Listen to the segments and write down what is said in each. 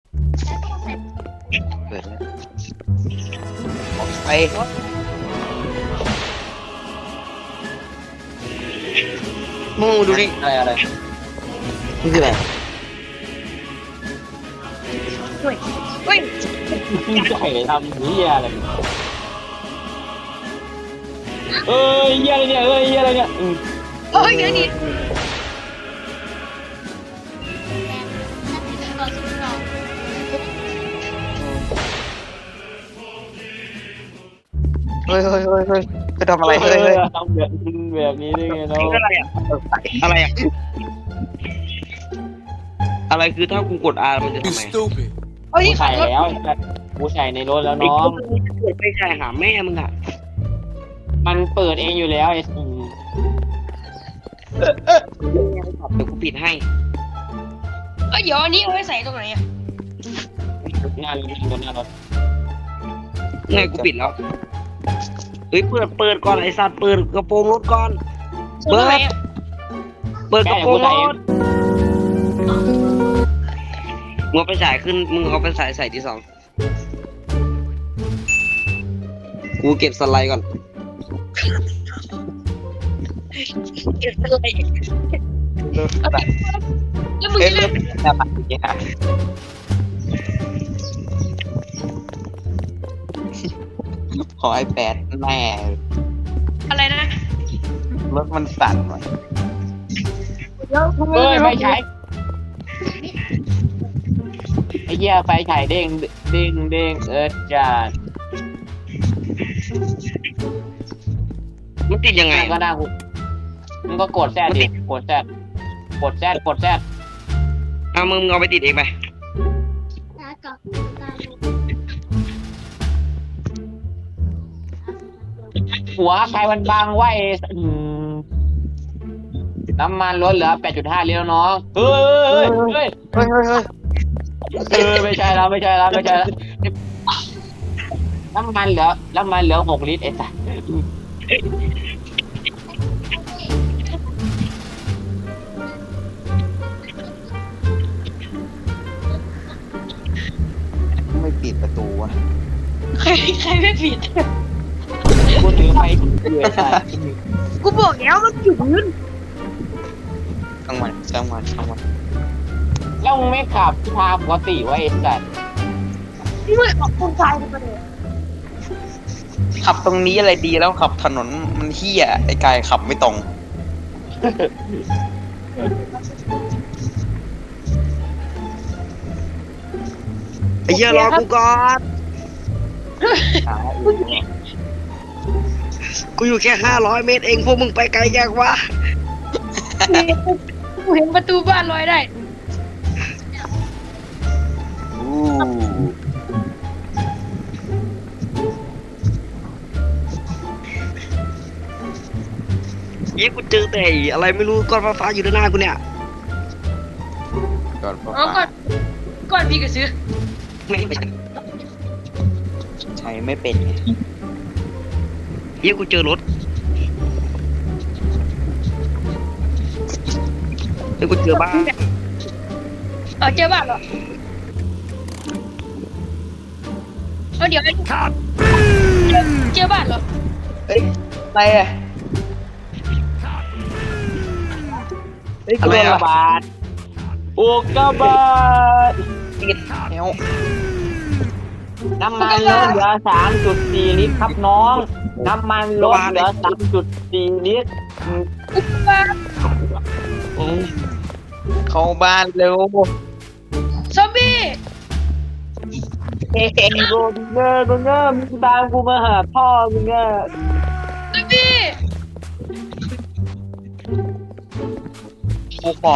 เปิดแล้วออกไปมึงดูดิอะไรนี่คืออะไรเฮ้ยเฮ้ยใหญ่ทำเหี้ยอะไรเอ้ยเหี้ยอะไรเนี่ยเอ้ยเหี้ยอะไรเนี่ยเฮ้ยเดี๋ยวนี้เฮ้ยจะทำอะไรเฮ้ยทำแบบนี้ได้ไงเนาะอะไรอ่ะอะไรอ่ะอะไรคือถ้ากูกด R มันจะทำไม Stupid. เฮ้ยกูขัใส่บรถแล้วกูใส่ในรถแล้วไอ้น้องเกิดไปใช่หาแม่มึงอ่ะมันเปิดเองอยู่แล้วไอ้เดี๋ยวกูปิดให้เฮ้ยเดี๋ยวอันนี้เอาไว้ใส่ตรงไหนอ่ะหน้ารถหน้ารถไงกูปิดแล้วเฮ้ยเปิดก่อนไอ้สัตว์เปิดกระโปรงรถก่อนใส่ตรงไหนอ่ะเปิดกระโปรงรถมึงเอาไปใส่ขึ้นมึงเอาไปใส่ที่สองกูเก็บสไลด์ก่อนเก็บอะไรแล้วมึงเอ้ยจะเริ่มจะปัดอย่างเงี้ยขอไอแปดแม่อะไรนะรถมันสั่นว่ะแล้วมึงเอ้ยไฟฉายไอ้เหี้ยไฟฉายเด้งจัดมันติดยังไงก็ได้กูมึงก็กดแซดดิกดแซดเอามึงเอาไปติดเองไปหัวใครมันบางไว้น้ำมันลดเหลือ 8.5 ลิตรน้องเฮ้ยไม่ใช่แล้วน้ำมันเหลือ 6 ลิตรไอ้สัสไม่ปิดประตูวะใครไม่ผิดกูถือไฟอยู่ไอ้สัสกูบอกแล้วมันจุดพื้นช่างมันแล้วมึงไม่ขับทางปกติไว้ไอ้สัสนี่มันออกตรงซ้ายไปเลยขับตรงนี้อะไรดีแล้วขับถนนมันเหี้ยไอ้กายขับไม่ตรงไอ้เหี้ยรอกูก่อนกูอยู่แค่500 เมตรเองพวกมึงไปไกลแยกวะกูเห็นประตูบ้านลอยได้เยี่ยกูเจอแต่อะไรไม่รู้ก้อนฟ้าๆอยู่ด้านหน้ากูเนี่ยก้อนอ๋อฟ้าก่อนพี่ก็ซื้อไม่ใช้ไม่เป็นไงเยี่ยกูเจอรถเฮ้ยกูเจอบ้านเจอบ้านเหรอเดี๋ยวเจอบ้านเหรอเฮ้ยอะไรอ่ะเฮ้ยอุอะไรกกาอ่ะบาตอุกกาบาตติดแนวน้ำมันลดเหลือ 3.4 ลิตรครับน้อง น้ำมันลดเหลือ 3.4 ลิตรอุกบ้านเข้าบ้านเร็วซอมบี้โดนเงอมึงตามกูมาหาพ่อมึงเงอซอมบี้กูขอ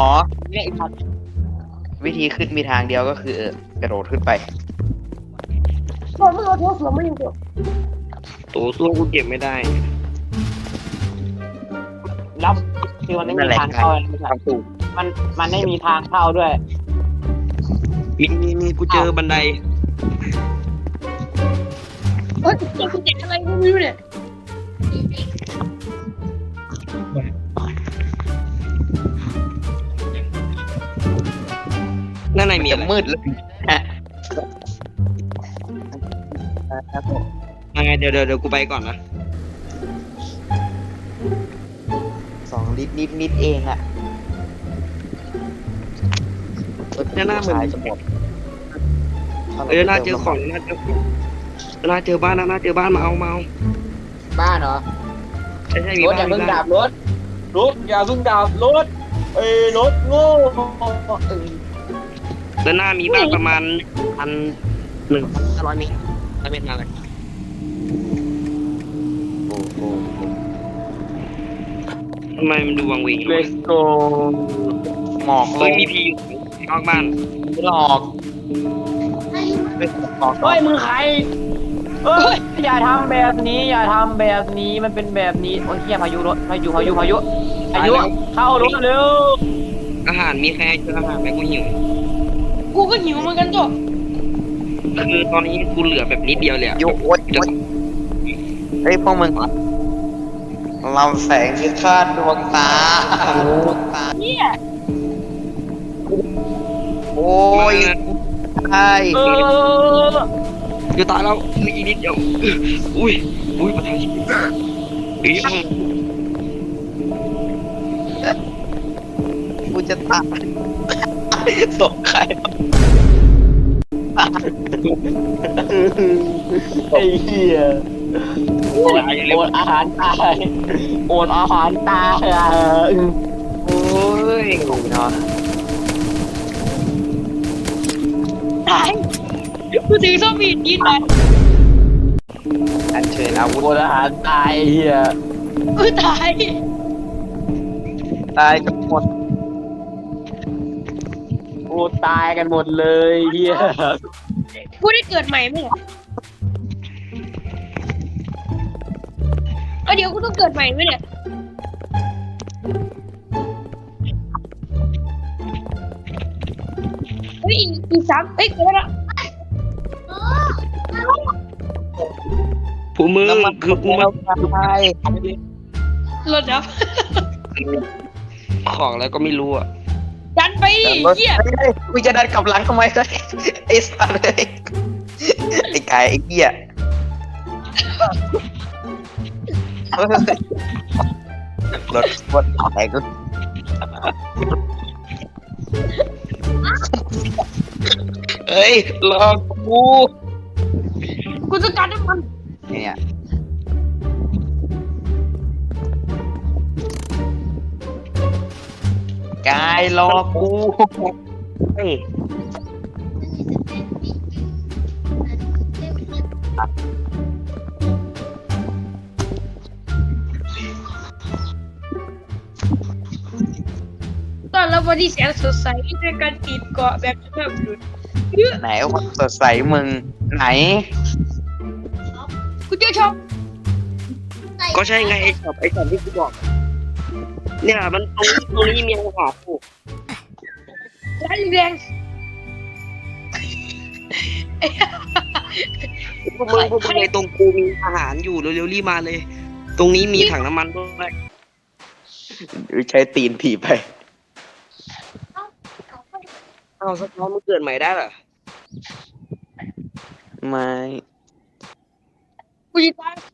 วิธีขึ้นมีทางเดียวก็คือกระโดดขึ้นไปบอกมึงเอาโทรศัพท์มาอยู่ตัวตัวสู้กูเก็บไม่ได้แล้วคือมันไม่มีทางเข้าทางสูงมันไม่มีทางเข้าด้วยมีกูเจอบันไดเฮ้ยกูเจ็บอะไรกูไม่รู้เนี่ยนั่นไหนมีมืดเลยยังไงเดี๋ยวกูไปก่อนนะ 2 ลิตรนิดเองอ่ะเนี่ยหน้าเหมือนขายจะหมดน่าเจอของน่าเจอของน่าเจอบ้านนะน่าเจอบ้านมาเอาบ้านเหรอใช่มีรถบ้าอย่าน เพิ่งมีบ้านดับรถอย่าเพิ่งดับรถรถโง่เอ้ยแล้วหน้ามีบ้านประมาณ1,500 เมตร1,500 เมตรมาเลยโอ้โหทำไมมันดูวังเวงเลสโกหมอกลเฮ้ยงมีพีอยู่นอกบ้านหลอกเฮ้ยมึงใครเฮ้ยอย่าทำแบบนี้มันเป็นแบบนี้โอ้ยเฮียพายุรถพายุเข้ารถเร็วอาหารมีใครเจออาหารไหมกูหิวกูก็หิวเหมือนกันตัวคือตอนนี้กูเหลือแบบนิดเดียวเลยอะโอ๊ยเฮ้ยพวกมึงเราแสงที่คาดดวงตาเนี่ยโอ้ยใช่จะตายแล้วเหลืออีกนิดเดียวอุ้ยประทังชีวิตอีกกูจะตายตกใครไอ้เหี้ยโอนอาหารตายโอนอาหารตายโอ้ยเนาะตายกูถือส้มผิดยินไปอันเชิญอาวุธโอนอาหารตายเหี้ยกูตายตายกันหมดโอ้ตายกันหมดเลยเหี้ยกูได้เกิดใหม่ไหมเนี่ยเดี๋ยวกูต้องเกิดใหม่ไหมเนี่ยเฮ้ยอีก3เกิดแล้วผู้มือคือกูมาใช่รถดับของแล้วก็ไม่รู้อ่ะดันไปดิเหี้ยกูจะดันกลับหลังทำไมเลยไอ้สัตว์เลยไอ้ไก่ไอ้เหี้ยรถแตกก็เอ้ยรอกูกูจะการน้ำมันเนี่ยกายรอกูเฮ้ยตอนรับวันที่แสนสดใสด้วยการติดเกาะแบบฉบับหลุดไหนวันสดใสมึงไหนกูเจอช่องก็ใช่ไงไอ้ช็อปที่กูบอก เนี่ยมันตรงนี้มีอาหารอยู่ร้านแรงพวกมึงในตรงกูมีอาหารอยู่เร็วๆรีบมาเลย ตรงนี้มีถังน้ำมันด้วยใช้ตีนถีบไปเอาสักน้องมึงเกิดใหม่ได้เหรอไม่กูจะตาย